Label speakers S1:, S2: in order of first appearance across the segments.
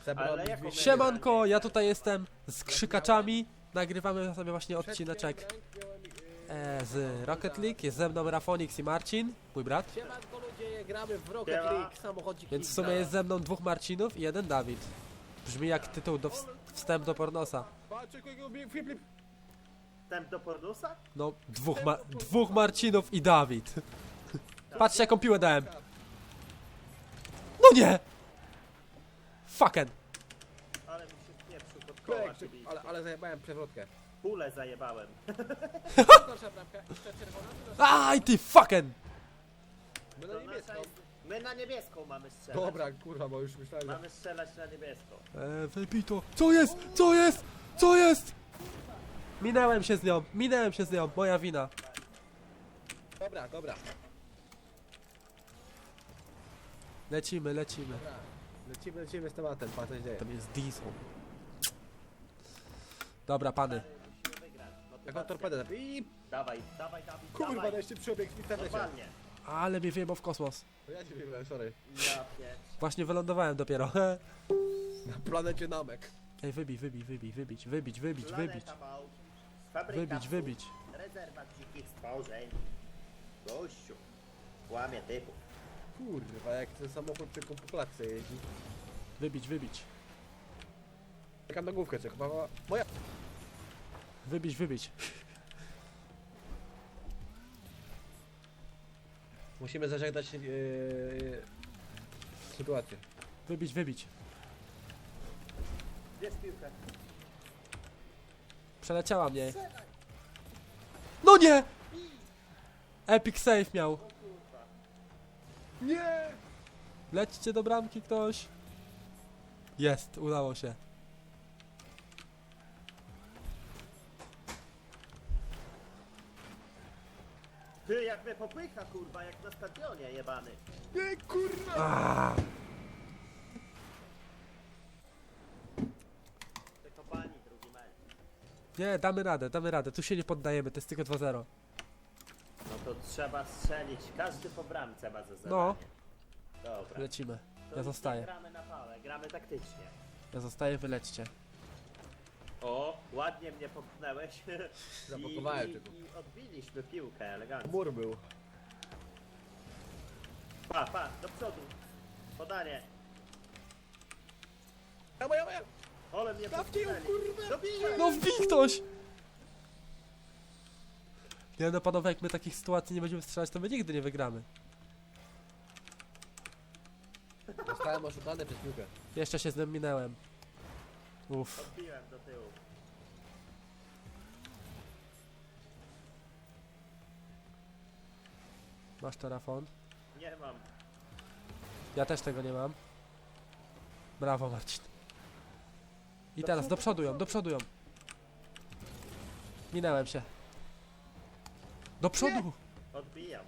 S1: Zebrałem
S2: jaką
S1: 200.
S3: Siemanko, ja tutaj jestem z krzykaczami. Nagrywamy sobie właśnie odcineczek z Rocket League. Jest ze mną Rafonix i Marcin, mój brat.
S1: Siemanko ludzie, gramy w Rocket
S2: Siema.
S1: League, samochodzik.
S3: Więc w sumie jest ze mną dwóch Marcinów i jeden Dawid. Brzmi jak tytuł do wstęp do pornosa.
S1: Patrz, jakiego flip.
S2: Wstęp do pornusa?
S3: No, dwóch Marcinów i Dawid. Patrzcie jaką piłę dałem. No nie! Fucking.
S2: Ale mi się spieprzył pod koła, czyli
S1: Ale zajebałem przewrotkę.
S2: pulę zajebałem.
S1: Proszę bramkę, jeszcze czerwona.
S3: Aj ty fucking!
S1: My na
S2: To
S1: niebieską.
S2: My na niebieską mamy strzelać.
S1: Dobra, kurwa, bo już myślałem, że...
S2: Mamy strzelać na niebieską.
S3: Wypij to. Co jest? Co jest? Co jest? Minęłem się z nią, moja wina.
S1: Dobra.
S3: Lecimy.
S1: Lecimy z tematem, patrz co się dzieje.
S3: Tam jest diesel. Dobra, pany.
S2: Musimy wygrać.
S1: Jaką
S2: Motywacja.
S1: torpedę zapi...
S2: Dawaj, Dawid,
S1: Kurwa,
S2: dawaj.
S1: jeszcze przebieg w internecie.
S2: Normalnie.
S3: Ale mnie wyjebał w kosmos.
S1: To ja ci wiem, sorry.
S2: Ja pierdź.
S3: Właśnie wylądowałem dopiero.
S1: Na planecie Namek.
S3: Ej, wybić.
S2: Planeta Mał. Fabryka
S3: Wybić.
S2: psów. Rezerwat dzikich stworzeń. Gościu. Łamie typów.
S1: Kurwa, jak ten samochód tylko po klatce jeździ.
S3: Wybić.
S1: Czekam na główkę, czy chyba moja...
S3: Wybić.
S1: Musimy zażegnać sytuację.
S3: Wybić.
S2: Bierz piłkę.
S3: Przeleciała mnie. No nie! Epic save miał.
S1: Nie!
S3: Lećcie do bramki ktoś. Jest, udało się.
S2: Ty, jak mnie popycha, kurwa, jak na stadionie jebany.
S1: Nie, kurwa!
S2: Tylko pani, drugi mecz.
S3: Nie, damy radę. Tu się nie poddajemy, to jest tylko 2-0.
S2: No to trzeba strzelić. Każdy po bramce ma za zadanie.
S3: No.
S2: Dobra.
S3: Lecimy.
S2: To
S3: Ja
S2: już
S3: zostaję.
S2: nie gramy na pałę, gramy taktycznie.
S3: Wy lećcie.
S2: O, ładnie mnie popchnęłeś.
S1: Zablokowałem tylko.
S2: I odbiliśmy piłkę elegancko.
S1: Mur był.
S2: Pa, do przodu. Podanie.
S1: Moja!
S2: Ole mnie
S1: Dawcie ją,
S2: popchnęli.
S1: kurwa!
S2: Dobiję!
S3: No wbij ktoś! Nie no panowie, jak my takich sytuacji nie będziemy strzelać, to my nigdy nie wygramy.
S1: Zostałem oszukany przez piłkę.
S3: Jeszcze się z nim minęłem. Uff.
S2: Odbiłem do tyłu.
S3: Masz to, Rafon?
S2: Nie mam.
S3: Ja też tego nie mam. Brawo, Marcin. I teraz do przodu ją. Minęłem się. Do przodu!
S2: Odbijam.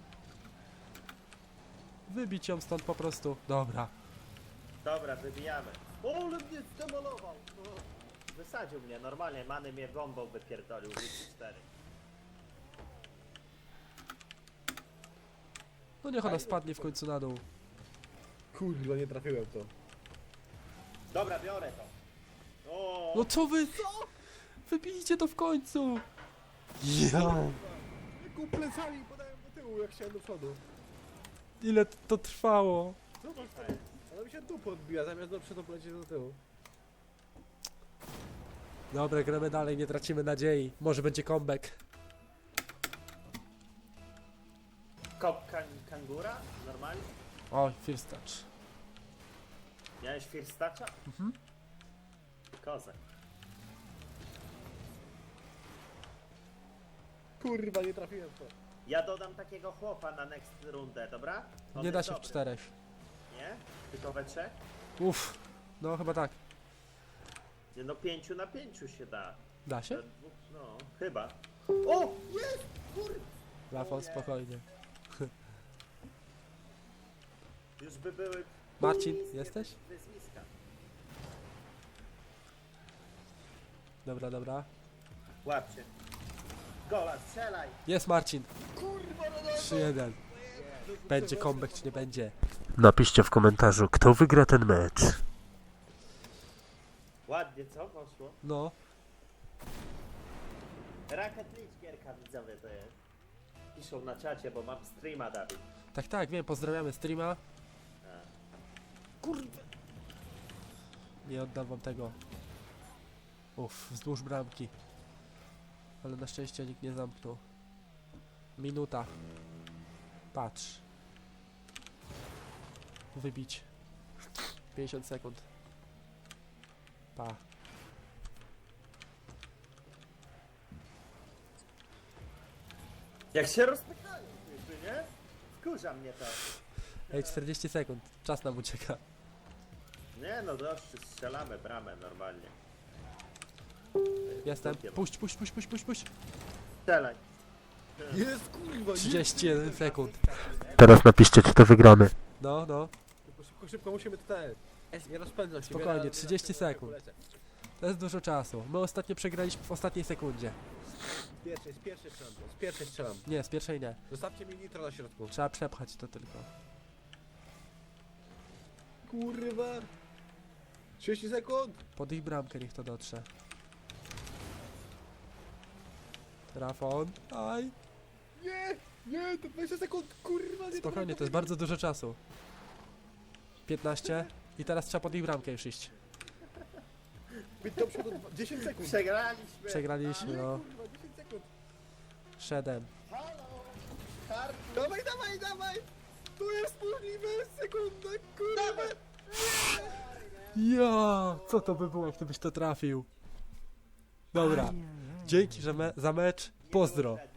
S3: Wybić ją stąd po prostu. Dobra.
S2: Dobra, wybijamy. Ole mnie zdemolował. O, wysadził mnie, normalnie Many mnie bombą wypierdolił. 4.
S3: No niech ona spadnie w końcu na dół.
S1: Kurwa, nie trafiłem w to.
S2: Dobra, biorę to. O,
S3: No co wy? Wybijcie to w końcu! Ja.
S1: Jaką plecami podałem do tyłu, jak chciałem do przodu.
S3: Ile to trwało?
S1: Zobacz to. Ona mi się dupę odbija, zamiast do przodu polecieć do tyłu.
S3: Dobra, gramy dalej, nie tracimy nadziei. Może będzie comeback.
S2: Kangura? Normalnie?
S3: O, first touch.
S2: Miałeś first toucha?
S3: Mhm.
S2: Kozak.
S1: Kurwa, nie trafiłem w to.
S2: Ja dodam takiego chłopa na next rundę, dobra? On
S3: Nie da
S2: jest
S3: się w
S2: dobry.
S3: 4.
S2: Nie? Tylko we 3?
S3: Uff. No chyba tak.
S2: Nie no, 5 na 5 się da.
S3: Da się?
S2: No, chyba. O! Jest! Kur...
S3: Rafał, spokojnie.
S2: Już by były...
S3: Marcin,
S2: niskie
S3: jesteś?
S2: Wyzwiska.
S3: Dobra.
S2: Łapcie. Gola, strzelaj!
S3: Jest Marcin.
S1: Kurwa,
S3: 3-1. Będzie comeback czy nie będzie? Napiszcie w komentarzu, kto wygra ten mecz.
S2: Ładnie, co poszło?
S3: No.
S2: Rocket League gierka widzowie to jest. Piszą na czacie, bo mam streama, Dawid.
S3: Tak, wiem, pozdrawiamy streama.
S2: A.
S3: Kurde. Nie oddam wam tego. Wzdłuż bramki. Ale na szczęście nikt nie zamknął. Minuta. Patrz. Wybić. 50 sekund. Pa.
S2: Jak się rozpychają, nie? Wkurza mnie to.
S3: Ej, 40 sekund. Czas nam ucieka.
S2: Nie no, dość, strzelamy bramę normalnie.
S3: Jestem.
S2: Dopiero.
S3: Puść.
S2: Strzelaj.
S1: Jest kurwa,
S3: 31 sekund.
S1: Jest.
S3: Teraz napiszcie, czy to wygramy. No.
S1: Szybko musimy tutaj. Nie rozpędzam się.
S3: Spokojnie,
S1: wiele-
S3: 30 sekund.
S1: polecę.
S3: To jest dużo czasu. My ostatnio przegraliśmy w ostatniej sekundzie.
S1: Z pierwszej strzelam. Z pierwszej strzelam.
S3: Nie, z pierwszej nie.
S1: Zostawcie mi nitro na środku.
S3: Trzeba przepchać to tylko.
S1: Kurwa. 30 sekund.
S3: Pod ich bramkę niech to dotrze. Rafon. Aj.
S1: Nie, to 20 sekund, kurwa. Nie
S3: Spokojnie, to jest bardzo dużo czasu. 15. I teraz trzeba pod ich bramkę już iść.
S1: Być do przodu 10 sekund.
S2: Przegraliśmy.
S3: Przegraliśmy, no.
S1: Kurwa, 10 sekund.
S3: 7.
S2: Halo! Karty!
S1: Dawaj. To jest możliwe, sekunda, kurwa.
S3: Ja, co to by było, gdybyś to trafił? Dobra. Dzięki za mecz. Pozdro.